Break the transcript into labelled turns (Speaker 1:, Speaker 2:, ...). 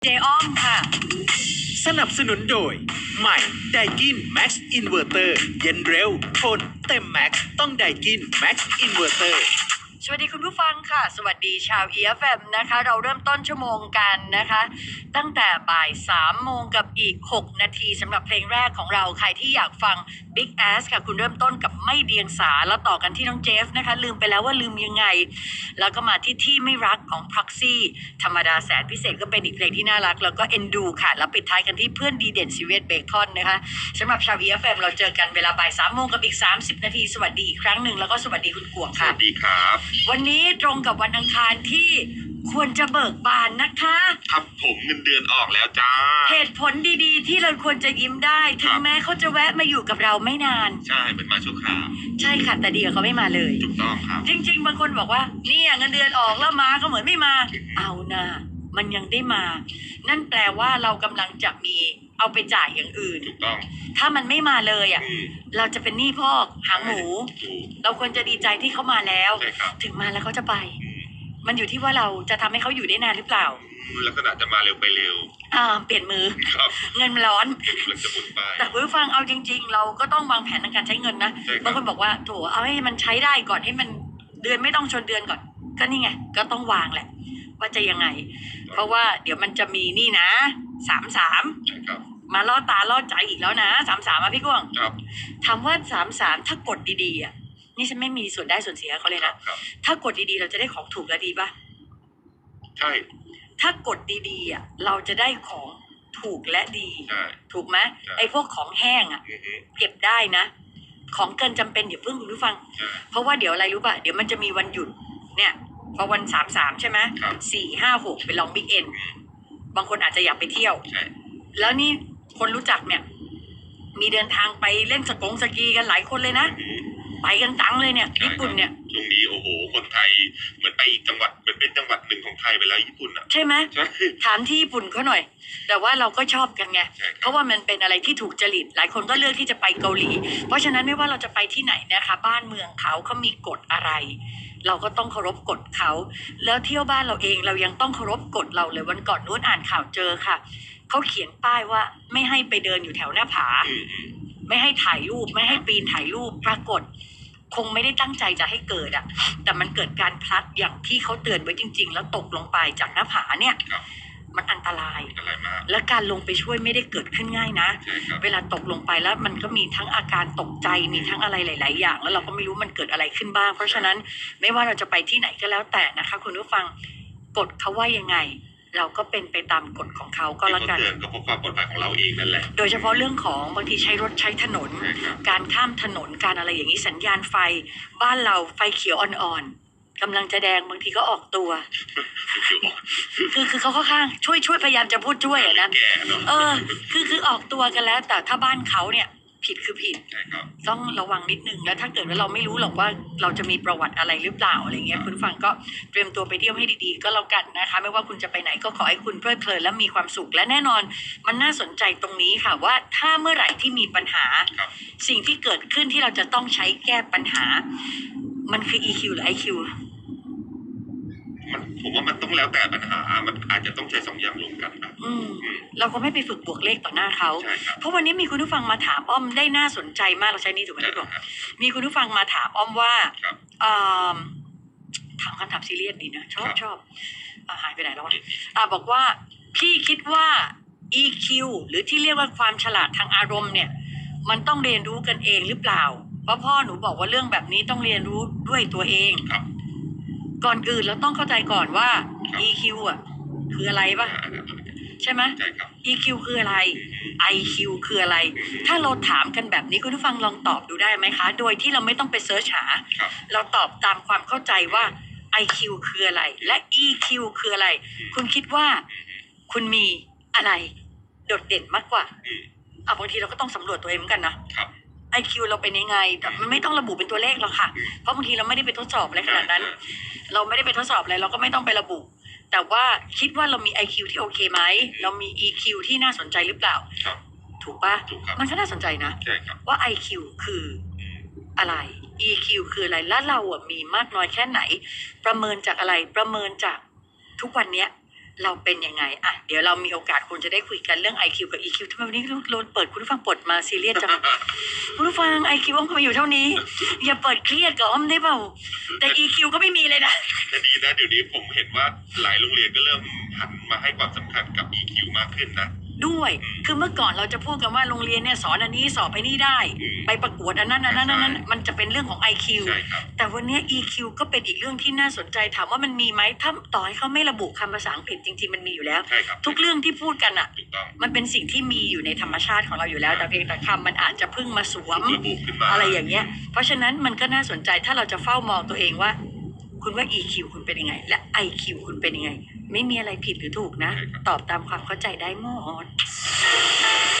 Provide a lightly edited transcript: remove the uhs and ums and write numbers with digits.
Speaker 1: เจอ้อมค่ะ
Speaker 2: สนับสนุนโดยใหม่ไดกินแม็กซ์อินเวอร์เตอร์เย็นเร็วทนเต็มแม็กซ์ต้องไดกินแม็กซ์อินเวอร์เตอร์
Speaker 1: สวัสดีคุณผู้ฟังค่ะสวัสดีชาว EFM นะคะเราเริ่มต้นชั่วโมงกันนะคะตั้งแต่บ่าย3 โมงกับอีก6 นาทีสำหรับเพลงแรกของเราใครที่อยากฟัง Big Ass ค่ะคุณเริ่มต้นกับไม่เดียงสาแล้วต่อกันที่น้องเจฟนะคะลืมไปแล้วว่าลืมยังไงแล้วก็มาที่ไม่รักของ Proxy ธรรมดาแสนพิเศษก็เป็นอีกเพลงที่น่ารักแล้วก็ Endu ค่ะแล้วปิดท้ายกันที่เพื่อนดีเด่นซีเวตเบคอนนะคะสำหรับชาว EFM เราเจอกันเวลาบ่าย3 โมงกับอีก30 นาทีสวัสดีอีกครั้งหนึ่งแล้วก็สวัสดีคุณกวงค่ะ
Speaker 3: สวัสดีครับ
Speaker 1: วันนี้ตรงกับวันอังคารที่ควรจะเบิกบานนะคะ
Speaker 3: ครับผมเงินเดือนออกแล้วจ้า
Speaker 1: เหตุผลดีๆที่เราควรจะยิ้มได้ถึงแม้เขาจะแวะมาอยู่กับเราไม่นาน
Speaker 3: ใช่เป็นมาชั่วคราว
Speaker 1: ใช่ค่ะแต่เดียวเขาไม่มาเลย
Speaker 3: ถูกต้องครับ
Speaker 1: จริงๆบางคนบอกว่าเนี่ยเงินเดือนออกแล้วมาก็เหมือนไม่มาเอานะมันยังได้มานั่นแปลว่าเรากำลังจะมีเอาไปจ่ายอย่างอื่น
Speaker 3: ถูกต้อง
Speaker 1: ถ้ามันไม่มาเลยอ่ะเราจะเป็นหนี้พอกหางหมูเราควรจะดีใจที่เขามาแล้วถึงมาแล้วเขาจะไปมันอยู่ที่ว่าเราจะทำให้เขาอยู่ได้นานหรือเปล่า
Speaker 3: ลักษณะจะมาเร็วไปเร็ว
Speaker 1: เปลี่ยนมือเงินมันร้อนแต่ผู้ฟังเอาจริงๆเราก็ต้องวางแผนในการใช้เงินนะบางคนบอกว่าโถเอาให้มันใช้ได้ก่อนให้มันเดือนไม่ต้องชนเดือนก่อนก็นี่ไงก็ต้องวางแหละว่าจะยังไงเพราะว่าเดี๋ยวมันจะมีนี่นะ33มาล่อตาล่อใจอีกแล้วนะ33พี่กวงถามว่า33ถ้ากดดีๆอ่ะนี่ฉันไม่มีส่วนได้ส่วนเสียเขาเลยนะถ้ากดดีๆเราจะได้ของถูกและดีป่ะ
Speaker 3: ใช่
Speaker 1: ถ้ากดดีๆอ่ะเราจะได้ของถูกและดีถูกไหมไอ้พวกของแห้งอ่ะเก็บได้นะของเกินจำเป็นเดี๋ยวเพิ่งคุณผู้ฟังเพราะว่าเดี๋ยวอะไรรู้ป่ะเดี๋ยวมันจะมีวันหยุดเนี่ยพอวัน33ใช่ไหม4 5 6ไปลองบิ๊กเอ็นบางคนอาจจะอยากไปเที่ยวแล้วนี่คนรู้จักเนี่ยมีเดินทางไปเล่นสกีกันหลายคนเลยนะไปกันตังเลยเนี่ยญี่ปุ่นเนี่ย
Speaker 3: ช่วงนี้โอ้โหคนไทยเหมือนไปอีกจังหวัดเหมือนเป็นจังหวัดหนึ่งของไทยไปแล้วญี่ปุ่นอ่ะ
Speaker 1: ใช่ไหมถามที่ญี่ปุ่นเขาหน่อยแต่ว่าเราก็ชอบกันไงเพราะว่ามันเป็นอะไรที่ถูกจริตหลายคนก็เลือกที่จะไปเกาหลีเพราะฉะนั้นไม่ว่าเราจะไปที่ไหนนะคะบ้านเมืองเขามีกฎอะไรเราก็ต้องเคารพกฎเขาแล้วเที่ยวบ้านเราเองเรายังต้องเคารพกฎเราเลยวันก่อนนู้นอ่านข่าวเจอค่ะเขาเขียนป้ายว่าไม่ให้ไปเดินอยู่แถวหน้าผาไม่ให้ถ่ายรูปไม่ให้ปีนถ่ายรูปปรากฏคงไม่ได้ตั้งใจจะให้เกิดอ่ะแต่มันเกิดการพลัดอย่างที่เขาเตือนไว้จริงๆแล้วตกลงไปจากหน้าผาเนี่ยมันอันตรายและการลงไปช่วยไม่ได้เกิดขึ้นง่ายนะเวลาตกลงไปแล้วมันก็มีทั้งอาการตกใจมีทั้งอะไรหลายๆอย่างแล้วเราก็ไม่รู้มันเกิดอะไรขึ้นบ้างเพราะฉะนั้นไม่ว่าเราจะไปที่ไหนก็แล้วแต่นะคะคุณผู้ฟังกฎเขาว่ายังไงเราก็เป็นไปตามกฎของเขาก็แล้วกัน
Speaker 3: ก็เพราะความปลอดภัยของเราเองนั่นแหละ
Speaker 1: โดยเฉพาะเรื่องของบางทีใช้รถใช้ถนนการข้ามถนนการอะไรอย่างนี้สัญญาณไฟบ้านเราไฟเขียวอ่อนๆกำลังจะแดงบางทีก็ออกตัวคือเขาค่อนข้างช่วยพยายามจะพูดช่วยอ่ะนะคือออกตัวกันแล้วแต่ถ้าบ้านเขาเนี่ยผิดคือผิดต้องระวังนิดนึงแล้วถ้าเกิดว่าเราไม่รู้หรอกว่าเราจะมีประวัติอะไรหรือเปล่าอะไรเงี้ยคุณฟังก็เตรียมตัวไปเที่ยวให้ดีๆก็แล้วกันนะคะไม่ว่าคุณจะไปไหนก็ขอให้คุณเพลิดเพลินและมีความสุขและแน่นอนมันน่าสนใจตรงนี้ค่ะว่าถ้าเมื่อไหร่ที่มีปัญหาสิ่งที่เกิดขึ้นที่เราจะต้องใช้แก้ปัญหามันคือ EQ หรือ IQ
Speaker 3: ผมว่ามันต้องแล้วแต่ปัญหามันอาจจะต้องใช้2 อย่างรวมกันนะ
Speaker 1: เราก็ไม่ไปฝึกบวกเลขต่อหน้าเขาเพราะวันนี้มีคุณผู้ฟังมาถามอ้อมได้น่าสนใจมากเราใช้นี่ถูกไหมพี่บอกมีคุณผู้ฟังมาถามอ้อมว่าถามคำถามซีเรียสดีนะชอบหายไปไหนแล้ววะบอกว่าพี่คิดว่า EQ หรือที่เรียกว่าความฉลาดทางอารมณ์เนี่ยมันต้องเรียนรู้กันเองหรือเปล่าเพราะพ่อหนูบอกว่าเรื่องแบบนี้ต้องเรียนรู้ด้วยตัวเองก่อนอื่นเราต้องเข้าใจก่อนว่า EQ อ่ะคืออะไรป่ะใช่ไหม EQ คืออะไร IQ คืออะไรถ้าเราถามกันแบบนี้คุณผู้ฟังลองตอบดูได้ไหมคะโดยที่เราไม่ต้องไปเสิร์ชหาเราตอบตามความเข้าใจว่า IQ คืออะไรและ EQ คืออะไรคุณคิดว่าคุณมีอะไรโดดเด่นมากกว่าบางทีเราก็ต้องสำรวจตัวเองเหมือนกันนะIQ เราเป็นยังไงแต่มันไม่ต้องระบุเป็นตัวเลขหรอกค่ะเพราะบางทีเราไม่ได้ไปทดสอบอะไรขนาดนั้นเราไม่ได้ไปทดสอบอะไรเราก็ไม่ต้องไประบุแต่ว่าคิดว่าเรามี IQ ที่โอเคไหมเรามี EQ ที่น่าสนใจหรือเปล่าถูกปะมันก็น่าสนใจนะว่า IQ คืออะไร EQ คืออะไรและเรามีมากน้อยแค่ไหนประเมินจากอะไรประเมินจากทุกวันเนี้ยเราเป็นยังไงอ่ะเดี๋ยวเรามีโอกาสคงจะได้คุยกันเรื่อง IQ กับ EQ ทำไมวันนี้โดนเปิดคุณผู้ฟังปลดมาซีเรียสจัง คุณผู้ฟัง IQ อ้อมก็มาอยู่เท่านี้ อย่าเปิดเครียดกับอ้อมได้เปล่าแต่ EQ ก็ไม่มีเลยนะ
Speaker 3: แต่ดีนะเดี๋ยวนี้ผมเห็นว่าหลายโรงเรียนก็เริ่มหันมาให้ความสำคัญกับ EQ มากขึ้นนะ
Speaker 1: ด้วย คือเมื่อก่อนเราจะพูดกันว่าโรงเรียนเนี่ยสอนอันนี้สอบไปนี่ได้ ไปประกวดอันนั้นมันจะเป็นเรื่องของ IQ
Speaker 3: ใช่ครับ
Speaker 1: แต่วันเนี้ย EQ ก็เป็นอีกเรื่องที่น่าสนใจถามว่ามันมีไหมถ้าต่อให้เขาไม่ระบุคำภาษาอังกฤษจริงๆมันมีอยู่แล้ว
Speaker 3: ใช่ครับ
Speaker 1: ทุกเรื่องที่พูดกันอ่ะ
Speaker 3: ถูกต้อง
Speaker 1: มันเป็นสิ่งที่มีอยู่ในธรรมชาติของเราอยู่แล้ว แต่เพียงแต่คำมันอาจจะเพิ่งมาสวม
Speaker 3: ระบุขึ้นมา
Speaker 1: อะไรอย่างเงี้ย เพราะฉะนั้นมันก็น่าสนใจถ้าเราจะเฝ้ามองตัวเองว่า คุณว่า EQ คุณเป็นยังไง และ IQ คุณเป็นยังไง ไม่มีอะไรผิดหรือถูกนะ ตอบตามความเข้าใจได้หมด